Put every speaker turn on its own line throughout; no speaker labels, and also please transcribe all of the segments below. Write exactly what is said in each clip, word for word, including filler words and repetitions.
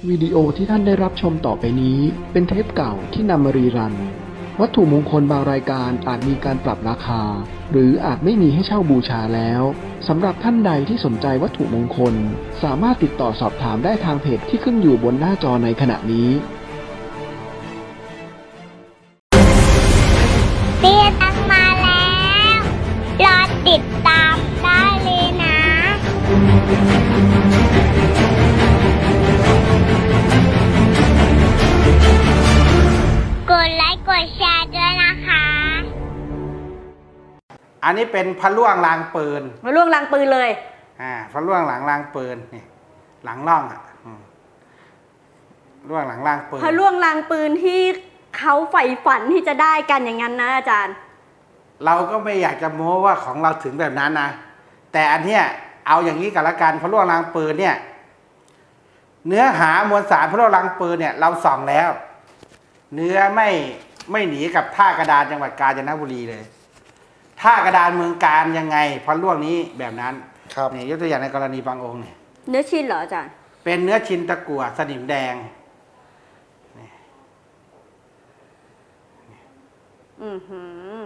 วิดีโอที่ท่านได้รับชมต่อไปนี้เป็นเทปเก่าที่นำมารีรัน วัตถุมงคลบางรายการอาจมีการปรับราคา หรืออาจไม่มีให้เช่าบูชาแล้วสำหรับท่านใดที่สนใจวัตถุมงคลสามารถติดต่อสอบถามได้ทางเพจที่ขึ้นอยู่บนหน้าจอในขณะนี้
เตี้ยตังมาแล้ว รอติดตามได้เลยนะ กดไลค์กดแชร์ด้วยนะคะ
อันนี้เป็นพระล่วงลางปืน
มาล่วงลางปืนเลย
อ่าพระล่วงหลังลางปืนนี่หลังร่องอ่ะอืมล่วงหลังลางปืน
พระล่วงลางปืนที่เขาใฝ่ฝันที่จะได้กันอย่างนั้นนะอาจารย์
เราก็ไม่อยากจะโม้ว่าของเราถึงแบบนั้นนะแต่อันเนี้ยเอาอย่างนี้กันละกันพระล่วงลางปืนเนี่ยเนื้อหามวลสารพระล่วงลางปืนเนี่ยเราส่องแล้ว เนื้อไม่ไม่หนีกับท่ากระดานจังหวัดกาญจนบุรีเลยท่ากระดานเมืองการยังไงพระล่วงนี้แบบนั้น
ครับ
นี่ยกตัวอย่างในกรณีบางองค์เนี่ย
เนื้อชิ้นเหรออาจารย์
เป็นเนื้อชินตะกั่วสนิมแดง
อือหือ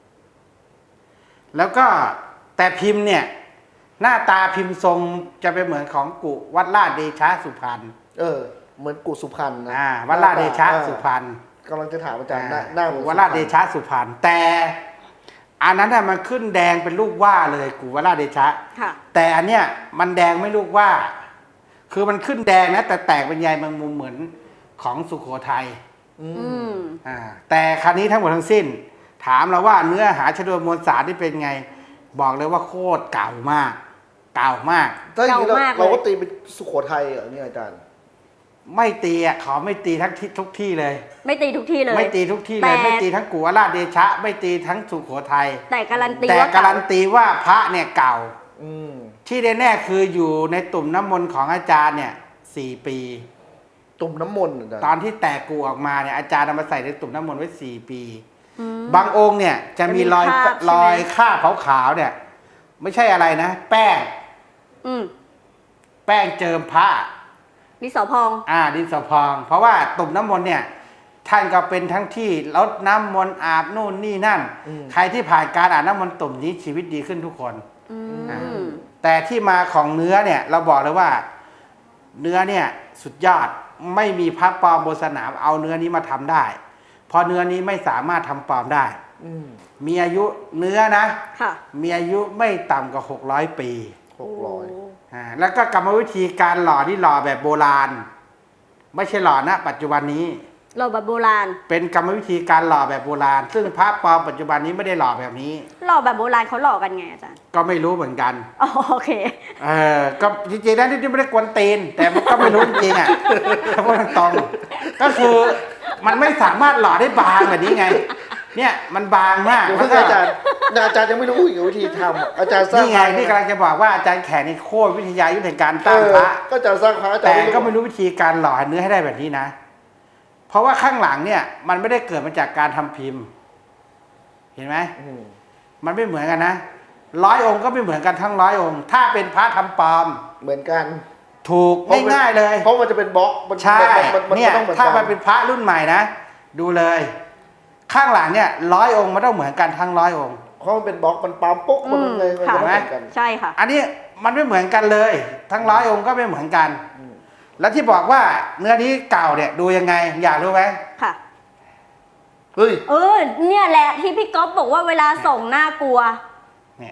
แล้วก็แต่พิมพ์เนี่ยหน้าตาพิมพ์ทรงจะเป็นเหมือนของกุวัดลาดเดชะสุพรรณ
เออ เหมือนกุสุพรรณนะ
อ่าวัดลาดเดชะสุพรรณ
กำลังจะถามอาจารย์หน้าหน้าเหมือน
กุวัดลาดเดชะสุพรรณแต่อันนั้นน่ะมันขึ้นแดงเป็นลูกว่าเลยกุวัดลาดเดชะ
ค่ะ
แต่อันเนี้ยมันแดงไม่ลูกว่า คือมันขึ้นแดงนะแต่แตกเป็นใยแมงมุมเหมือนของสุโขทัย
อื
อื
ม
ม
อ่าแต่ครั้นี้ทั้งหมดทั้งสิ้น ถามเราว่าเนื้อหาชนวนมวลสารที่เป็นไง บอกเลยว่าโคตรเก่ามาก เก่ามาก
ถ้าอย่างนี้เรา
เก่ามากเลย
เราก็ตีเป็นสุโขทัยเหรอเนี่ยอาจารย์
ไม่ตีอ่ะเขาไม่ตีทั้งที่ทุกที่เลย
ไม่ตีทุกที่เลย
ไม่ตีทุกที่เลย
แต่
ไม่ตีทั้งกุวราชเดชะ ไม่ตีทั้งสุโขทัย
แต่การันตี
แต่
ว่า
การันตีว่าพระเนี่ยเก่า
อืม
ที่แน่ๆคืออยู่ในตุ่มน้ำมนต์ของอาจารย์เนี่ยสี่ปี
ตุ่มน้ำมนต์อาจารย์
ตอนที่แตกกูออกมาเนี่ยอาจารย์เอามาใส่ในตุ่มน้ำมนต์ไว้สี่ปี
อืม
บางองค์เนี่ยจะมีรอย
จะมีคราบใช่ไหม
รอยคราบขาวๆเนี่ย ไม่ใช่อะไรนะ แป้ง
อืม
แป้งเจิมพระ
ดินสอพอง
อ่าดินสอพอง เพราะว่าตุ่มน้ำมนต์เนี่ยท่านก็เป็นทั้งที่ลดน้ำมนต์อาบนู่นนี่นั่น ใครที่ผ่านการอาบน้ำมนต์ตุ่มนี้ชีวิตดีขึ้นทุกคน
อืม
อ่า แต่ที่มาของเนื้อเนี่ยเราบอกเลยว่า เนื้อเนี่ยสุดยอดไม่มีพระปลอมบนสนามเอาเนื้อนี้มาทำได้ เพราะเนื้อนี้ไม่สามารถทำปลอมได้
อืม
มีอายุเนื้อนะ
ค่ะ
มีอายุไม่ต่ำกว่าหกร้อยปี
หกร้อย
อ่าแล้วก็กรรมวิธีการหล่อที่หล่อแบบโบราณ ไม่ใช่หล่อนะปัจจุบันนี้
เราแบบโบราณ
เป็นกรรมวิธีการหล่อแบบโบราณ ซึ่งพระปลอมปัจจุบันนี้ไม่ได้หล่อแบบนี้
หล่อแบบโบราณเขาหล่อกันไงอาจารย์
ก็ไม่รู้เหมือนกัน
อ๋อโอเค
เออก็จริงๆแล้วที่ไม่ได้กวนตีน แต่มันก็ไม่รู้จริงๆอ่ะถ้าพูดตรงๆก็คือมันไม่สามารถหล่อได้บางแบบนี้ไง เนี่ยมันบางมาก
เดี๋ยว
แล้
เพิ่
ว
ง
ก็
อาจารย์อาจารย์ยังไม่รู้อีกวิธีทำอาจารย์สร้าง
นี่ไงที่กำลังจะบอกว่าอาจารย์แขกนี่โคตรวิทยายุทธในการตั้งพระ
เออก็อาจารย์สร้างพระอาจาร
แต่
ย์
ก็ไม่รู้วิธีการหล่อเนื้อให้ได้แบบนี้นะ เพราะว่าข้างหลังเนี่ยมันไม่ได้เกิดมาจากการทำพิมพ์ เห็นไหม
อืม
มันไม่เหมือนกันนะร้อยองค์ก็ไม่เหมือนกันทั้งร้อยองค์ ถ้าเป็นพระทำปลอม
เหมือนกัน
ถูกง่ายๆเลย
เพราะมันจะเป็นบล็อกมัน
ใช่
มันมัน
เนี่ย
ต้องเหมือน
ถ้า
กั
มันเป็นพระรุ่นใหม่นะดูเลย ข้างหลังเนี่ยร้อยองค์มันต้องเหมือนกันทั้งร้อยองค์
เพราะมันเป็นบล็อกมันปั๊มปุ๊กมัน
อืม
เลยมัน
ค่ะ
จะไม่เหมือนกัน
ใช่ค่ะ
อันนี้มันไม่เหมือนกันเลย ทั้งร้อยองค์ก็ไม่เหมือนกัน
อืม
แล้วที่บอกว่าเนื้อนี้เก่าเนี่ยดูยังไง อยากรู้ไหม
ค่ะ
เฮ้ย
เออ เนี่ยแหละที่พี่ก๊อฟบอกว่าเวลาส่งน่ากลัว
เนี่ย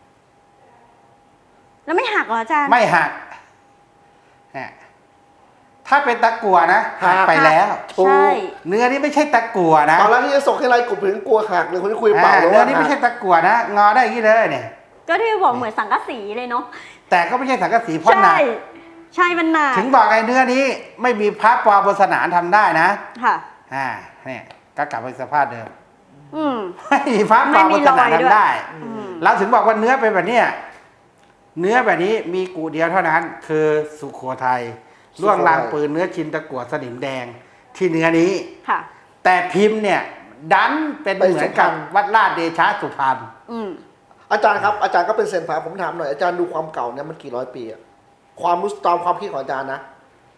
แล้วไม่หักเหรออาจารย์
ไม่หักเนี่ยถ้าเป็นตะกั่วนะหักไปแล้ว
ใช่
เนื้อนี้ไม่ใช่ตะกั่วนะ
ตอนแรกที่จะส่งให้ไรกลุ่มถึงกลัวหักเลยคนที่คุยเปล่า
อ่า
แล้ว
เนื้อ
ว่า
นี้ไม่ใช่ตะกั่วนะ งอได้อย่างนี้เลยเนี่ย
ก็ที่บอกเหมือนสังกะสีเลยเนาะ
แต่ก็ไม่ใช่สังกะสีพ่นหนั
ใช่
ก
ใช่มันหนัก
ถึงบอกไอ้เนื้อนี้ไม่มีพระปลอมบนสนามทำได้นะ
ค่ะ
อ่าเนี่ยก็กลับไปสภาพเดิม
อืม
ไม่มีพระปลอมบนสนาม
ไม่มีรอยด้วย
ทำได้
อืม
เราถึงบอกว่าเนื้อเป็นแบบเนี้ยเนื้อแบบนี้มีกูเดียวเท่านั้น คือสุโขทัยล่วงลางปืนเนื้อชินตะกั่วสนิมแดงที่เนื้อนี้
ค่ะ
แต่พิมพ์เนี่ย ดันเป็นเหมือนกับวัดลาดเดชะสุพรรณ
อืม
อาจารย์ครับอาจารย์ก็เป็นเซยนพระผมถามหน่อยอาจารย์ดูความเก่าเนี่ยมันกี่ร้อยปีอะความรู้ตามความคิดของอาจารย์นะ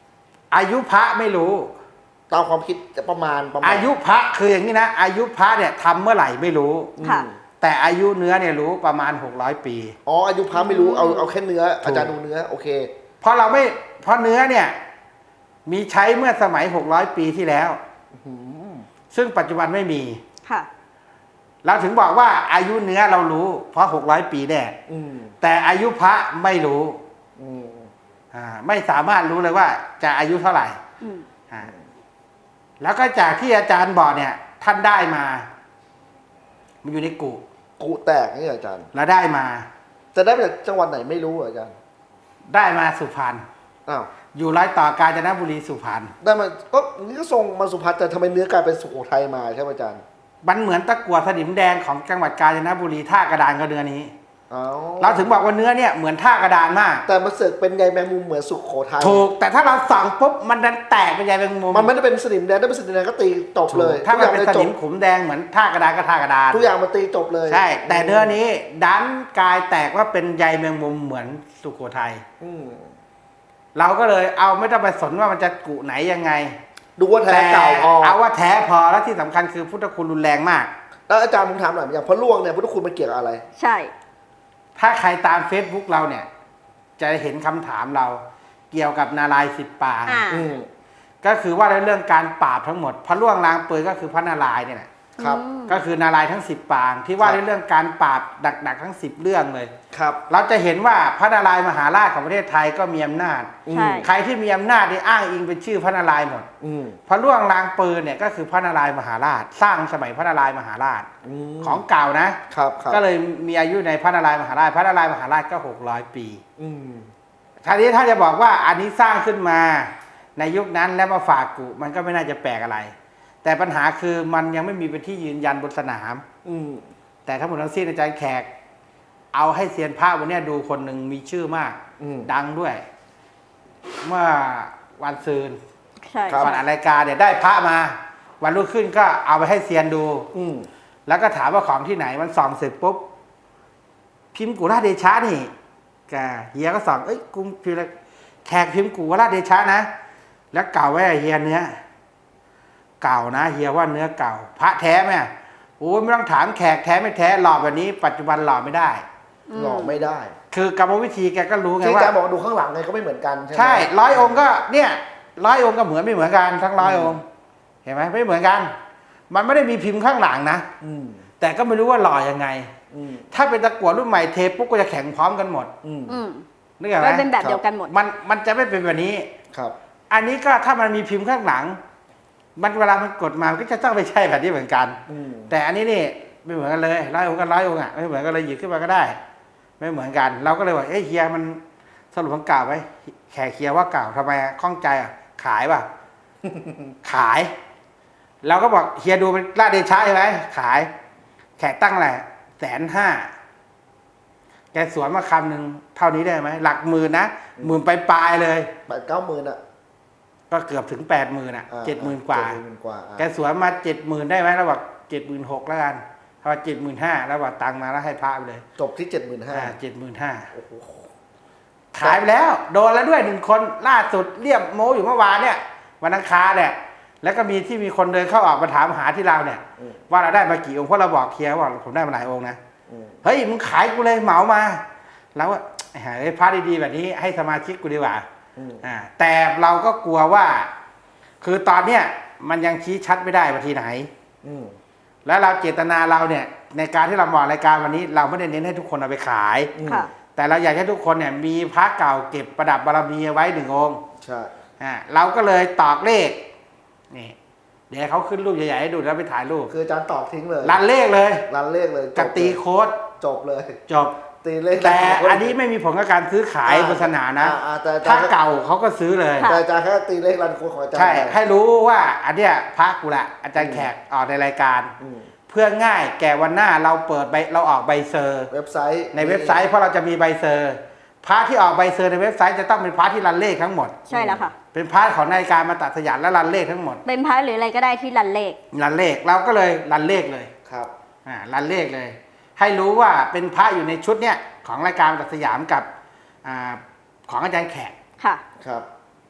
อายุพระไม่รู้
ตามความคิดจะประมาณประมาณ
อายุพระคืออย่างนี้นะอายุพระเนี่ยทำเมื่อไหร่ไม่รู้
ค่ะ
แต่อายุเนื้อเนี่ยรู้ประมาณหกร้อยปี
อ๋ออายุพระไม่รู้เอาเอาแค่เนื้ออาจารย์ดูเนื้อโอเค
เพราะเราไม่เพราะเนื้อเนี่ยมีใช้เมื่อสมัยหกร้อยปีที่แล้ว ซึ่งปัจจุบันไม่มี
ค่ะ
เราถึงบอกว่าอายุเนื้อเรารู้ เพราะหกร้อยปีแน่
อืม
แต่อายุพระไม่รู้
อืม
อ่าไม่สามารถรู้เลยว่าจะอายุเท่าไหร่
อืม
อ่าแล้วก็จากที่อาจารย์บอกเนี่ย ท่านได้มา มันอยู่ในกุ
กูแตกนี่เหรออาจารย์
แล้วได้มา
จะได้มาจากจังหวัดไหนไม่รู้เหรออาจารย์
ได้มาสุพรรณ
อ้าว
อยู่ร้อยต่อกาญจนบุรีสุพรรณ
ได้มาก็นี่ก็ส่งมาสุพรรณแต่ทำไมเนื้อกลายเป็นสุโขทัยมาใช่ไหมอาจารย์
มันเหมือนตะกั่วสนิมแดงของจังหวัดกาญจนบุรีท่ากระดานก็เนื้อนี้
อ๋อ
เราถึงบอกว่าเนื้อเนี่ยเหมือนท่ากระดานมาก
แต่มาเสือกเป็นใยแมงมุมเหมือนสุโขทัย
ถูก แต่ถ้าเราส่องปุ๊บมันดันแตกเป็นใยแมงมุม
มันไม่ได้เป็นสนิมแดงถ้าเป็นสนิมแดงก็ตีจบเลย
ถ้า
ทุก
มั
อน ย่าง
เป็น
เลย
ส
จ
นิ
บ
มขุมแดงเหมือนท่ากระดานก็ท่ากระดาน
ทุกอย่างมันตีจบเลย
ใช่ แต่เนื้อนี้ดันกลายแตกว่าเป็นใยแมงมุมเหมือนสุโขทัย
อืม
เราก็เลยเอาไม่ต้องไปสนว่ามันจะกุไหนยังไง
ดูว่าแท้
แต่
เก่าพอ
เอาว่าแท้พอแล้วที่สำคัญคือพุทธคุณรุนแรงมาก
แล้วอาจารย์ผมถามหน่อยอย่างพระล่วงเนี่ยพุทธคุณมันเกี่ยวกับอะไร
ใช่
ถ้าใครตาม Facebook เราเนี่ย จะเห็นคำถามเราเกี่ยวกับนารายณ์สิบปาง
อ่า
อืม
ก็คือว่าในเรื่องการปราบทั้งหมดพระล่วงลางเปยก็คือพระนารายณ์เนี่ยแหละ
ครับ
อืม
ก็คือนารายณ์ทั้งสิบปาง ที่ว่า
ครับ
ในเรื่องการปราบหนักๆทั้งสิบเรื่องเลย
ครับ
เราจะเห็นว่าพระนารายณ์มหาราชของประเทศไทยก็มีอำนาจ
ใช่
ใครที่มีอำนาจนี่อ้างอิงเป็นชื่อพระนารายณ์หมด
อืม
พระล่วงลางเปยเนี่ยก็คือพระนารายณ์มหาราช สร้างสมัยพระนารายณ์มหาราช
ม
ของเก่านะ
ครับครับ
ก็เลยมีอายุในพระนารายณ์มหาราช พระนารายณ์มหาราชก็หกร้อยปี
อืม
ทีนี้ถ้าจะบอกว่าอันนี้สร้างขึ้นมาในยุคนั้นแล้วมาฝากกุมันก็ไม่น่าจะแปลกอะไร แต่ปัญหาคือมันยังไม่มีเป็นที่ยืนยันบนสนาม
อืม
แต่ทั้งหมดทั้งสิ้นอาจารย์แขก เอาให้เซียนพระวันเนี้ยดูคนหนึ่งมีชื่อมาก
อืม
ดังด้วย เมื่อวันซืน
ใช่
ครับ
ก่อนอัดรายการเนี่ยได้พระมา วันรุ่งขึ้นก็เอาไปให้เซียนดู
อืม
แล้วก็ถามว่าของที่ไหนมันส่องเสร็จปุ๊บพิมพ์กุราชเดชะนี่แกเฮียก็ส่องเอ้ยกุมพิมพ์อะไรแขกพิมพ์กุราชเดชะนะแล้วเก่าไว้เฮียเนื้อเก่านะเฮียว่าเนื้อเก่า พระแท้ไหมโอ้ยไม่ต้องถามแขกแท้ไม่แท้หล่อแบบนี้ ปัจจุบันหล่อไม่ได้
หลอกไม่ได้
คือกรรมวิธีแกก็รู้ไง
ที่อา
ว่า
จารย์บอกว่าดูข้างหลังไงก็ไม่เหมือนกันใช่ไหม
ใช่ร้อยองค์ก็เนี่ยร้อยองค์ก็เหมือนไม่เหมือนกันทั้งร้อยองค์เห็นไหมไม่เหมือนกัน มันไม่ได้มีพิมพ์ข้างหลังนะ
อืม
แต่ก็ไม่รู้ว่าหล่อยังไง
อืม
ถ้าเป็นตะกั่วรุ่นใหม่เทปุ๊บก็จะแข็งพร้อมกันหมด
อืม
อืม
นึกออกไหม
ก็เป็นแบบเดียวกันหมด
มันมันจะไม่เป็นแบบนี้
ครับ
อันนี้ก็ถ้ามันมีพิมพ์ข้างหลัง มันเวลามันกดมามันก็จะต้องไม่ใช่แบบนี้เหมือนกัน
อืม
แต่อันนี้นี่ไม่เหมือนกันเลยร้อยองค์กันร้อยองค์อ่ะไม่เหมือนกันเลยหยิบขึ้นมาก็ได้ ไม่เหมือนกัน เราก็เลยว่าเอ้ยเฮียมันสรุปมันเก่าไหมแขกเฮียว่าเก่าทำไมอะข้องใจอ่ะขายป่ะ ขาย เราก็บอกเฮียดูเป็นราชเดชะใช่ไหมขาย แขกตั้งแหละแสนห้าแกสวนมาคำหนึ่งเท่านี้ได้ไหมหลักหมื่นนะหมื่นไปปลายๆเลย
แปดเก้าหมื่นอ่ะ
ก็เกือบถึงแปดหมื่นอ่ะ
อ่า
เจ็ดหมื่นกว่า
เจ็ดหมื่นกว่าอ่ะ
แกสวนมาเจ็ดหมื่นได้ไหมเราบอกเจ็ดหมื่นหกแล้วกันถ้าว่าเจ็ดหมื่นห้าแล้วบอกตังค์มาแล้วให้พระไปเลย
จบที่เจ็ดหมื่นห้า
อ่าเจ็ดหมื่นห้า
โอ้โห
ขายไปแล้ว โดนแล้วด้วยหนึ่งคนล่าสุดเรียบโมอยู่เมื่อวานเนี่ยวันอังคารเนี่ยแล้วก็มีที่มีคนเดินเข้าออกมาถามหาที่เราเนี่ย
อืม
ว่าเราได้มากี่องค์เพราะเราบอกเคลียร์ว่าผมได้มาหลายองค์นะ
อืม
เฮ้ยมึงขายกูเลยเหมามาแล้วว่าหาพระดีๆแบบนี้ให้สมาชิกกูดีกว่า
อืม
อ่าแต่เราก็กลัวว่า คือตอนเนี้ยมันยังชี้ชัดไม่ได้ว่าที่ไหน
อืม
แล้วเราเจตนาเราเนี่ยในการที่เราบอกรายการวันนี้ เราไม่ได้เน้นให้ทุกคนเอาไปขาย
อืม
ค่ะ
แต่เราอยากให้ทุกคนเนี่ยมีพระเก่าเก็บประดับบารมีเอาไว้หนึ่งองค์
ใช่
อ่าเราก็เลยตอกเลขนี่เดี๋ยวเขาขึ้นรูปใหญ่ๆให้ดูแล้วไปถ่ายรูป
คืออาจารย์ตอบทิ้งเลย
รันเลขเลย
รันเลขเลย
กับตีโค้ด
จบเลย
จบ
ตีเลข
แต่อันนี้ไม่มีผลกับการซื้อขายบนสนามนะ
อ่าอ่าแต่อาจา
ถ้าร
ย์
เก่าเขาก็ซื้อเลย
แต่อาจารย์แค่ตีเลขรันโค้ดของอาจารย์
ใช่
ไป
ให้รู้ว่าอันเนี้ยพระกูละอาจารย์แขกออกในรายการ
อืม
เพื่อง่ายแก่วันหน้าเราเปิดใบเราออกใบเซอร์
เว็บไซต์
ในเว็บไซต์เพราะเราจะมีใบเซอร์พระที่ออกใบเซอร์ในเว็บไซต์จะต้องเป็นพระที่รันเลขทั้งหมด
ใช่แล้วค่ะ
เป็นพระของนาฬิกามาตัดสยามและรันเลขทั้งหมด
เป็นพระหรืออะไรก็ได้ที่รันเลข
รันเลขเราก็เลยรันเลขเลย
ครับ
อ่ารันเลขเลย ให้รู้ว่าเป็นพระอยู่ในชุดเนี้ยของรายการตัดสยามกับอ่าของอาจารย์แขก
ค่ะ
ครับ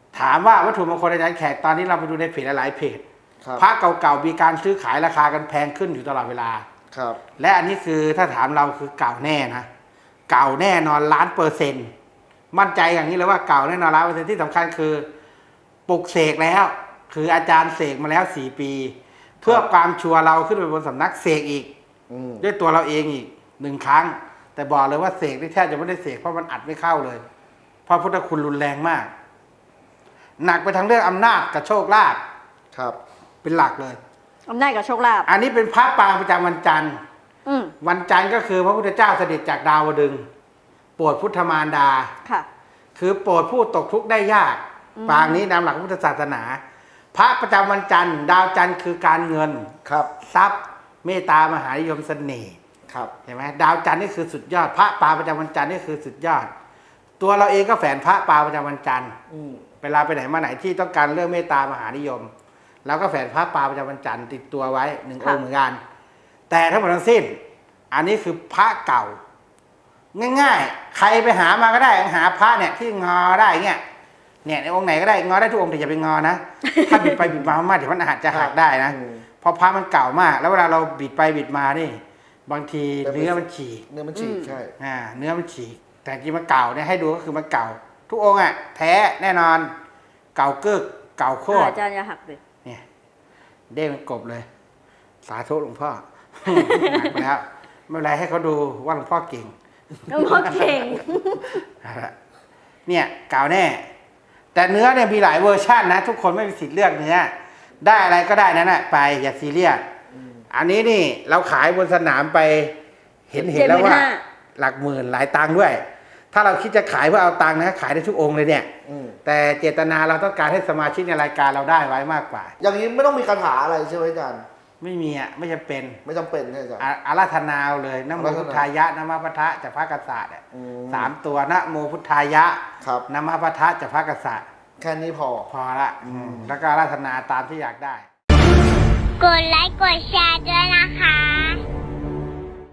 ถามว่าวัตถุมงคลอาจารย์แขกตอนนี้เราไปดูในเพจหลายๆเพจ
ครับ
พระเก่าๆมีการซื้อขายราคากันแพงขึ้นอยู่ตลอดเวลา
ครับ
และอันนี้คือถ้าถามเราคือเก่าแน่นะเก่าแน่นอนล้านเปอร์เซ็นต์มั่นใจอย่างนี้เลยว่าเก่าแน่นอนล้านเปอร์เซ็นต์ที่สำคัญคือปลุกเสกแล้ว คืออาจารย์เสกมาแล้วสี่ปี เพื่อความชัวร์เราขึ้นไปบนสำนักเสกอีก
อืม
ด้วยตัวเราเองอีกหนึ่งครั้ง แต่บอกเลยว่าเสกที่แทบจะไม่ได้เสกเพราะมันอัดไม่เข้าเลย เพราะพุทธคุณรุนแรงมาก หนักไปทางเรื่องอำนาจกับโชคลาภ
ครับ
เป็นหลักเลย
อำนาจกับโชคลาภ
อันนี้เป็นพระปางประจำวันจันทร์
อืม
วันจันทร์ก็คือพระพุทธเจ้าเสด็จจากดาวดึงส์โปรดพุทธมารดา
ค่ะ
คือโปรดผู้ตกทุกข์ได้ยาก
อืม
ปางนี้ตามหลักพุทธศาสนา พระประจำวันจันทร์ ดาวจันทร์คือการเงิน
ครับ
ทรัพย์ เมตตามหานิยมเสน่ห์
ครับ
เห็นไหมดาวจันทร์นี่คือสุดยอด พระปางประจำวันจันทร์นี่คือสุดยอด ตัวเราเองก็แฝนพระปางประจำวันจันทร์
อืม
เวลาไปไหนมาไหนที่ต้องการเรื่องเมตตามหานิยมเราก็แฝนพระปางประจำวันจันทร์ติดตัวไว้หนึ่งองค์เหมือนกัน แต่ทั้งหมดทั้งสิ้น อันนี้คือพระเก่า ง่ายๆ ใครไปหามาก็ได้หาพระเนี่ยที่งอได้เงี้ยเนี่ยในองค์ไหนก็ได้งอได้ทุกองค์แต่อย่าไปงอนะ ถ้าบิดไปบิดมามากเดี๋ยวมันอาจจะหักได้นะ
อืม
เพราะพระมันเก่ามาก แล้วเวลาเราบิดไปบิดมานี่ บางที
แต่เป็น
เนื้อมันฉีก
เนื้อมันฉีก
อืม
ใช่
อ่าเนื้อมันฉีก แต่จริงมันเก่าเนี่ยให้ดูก็คือมันเก่า ทุกองค์อ่ะแท้แน่นอน เก่ากึกเก่าโคตร
อาจารย์อย่าหักเลย
เนี่ยเด้งเป็นกบเลย สาธุหลวงพ่อ หนักไปแล้วไม่เป็นไรให้เขาดูว่าหลวงพ่อเก่ง
หลวงพ่อเก่ง
เอาละเนี่ยเก่าแน่ แต่เนื้อเนี่ยมีหลายเวอร์ชันนะ ทุกคนไม่มีสิทธิ์เลือกเนื้อได้อะไรก็ได้นั่นแหละไปอย่าซีเรียสอันนี้นี่เราขายบนสนามไปเห็นเห็นแล้วว่า
เจ็ดหมื่นห้า
หลักหมื่นหลายตังค์ด้วย ถ้าเราคิดจะขายเพื่อเอาตังค์นะขายได้ทุกองค์เลยเนี่ย
อืม
แต่เจตนาเราต้องการให้สมาชิกในรายการเราได้ไว้มากกว่า
อย่างนี้ไม่ต้องมีคาถาอะไรใช่ไหมอาจารย์
ไม่มีอ่ะไม่จำเป็น
ไม่จำเป็นใช่ไหมอาจารย์
อ่ะอาราธนาเอาเลยนะโม
อาราธนา
พุทธายะนะมะปะทะจากพระกษัตริย์อ่ะ
อืม
สามตัวนะโมพุทธายะ
ครับ
นะมะปะทะจากพระกษัตริย์
แค่นี้พอ
พอละอืมแล้วก็อาราธนาตามที่อยากได้
กดไลค์กดแชร์ด้วยนะคะ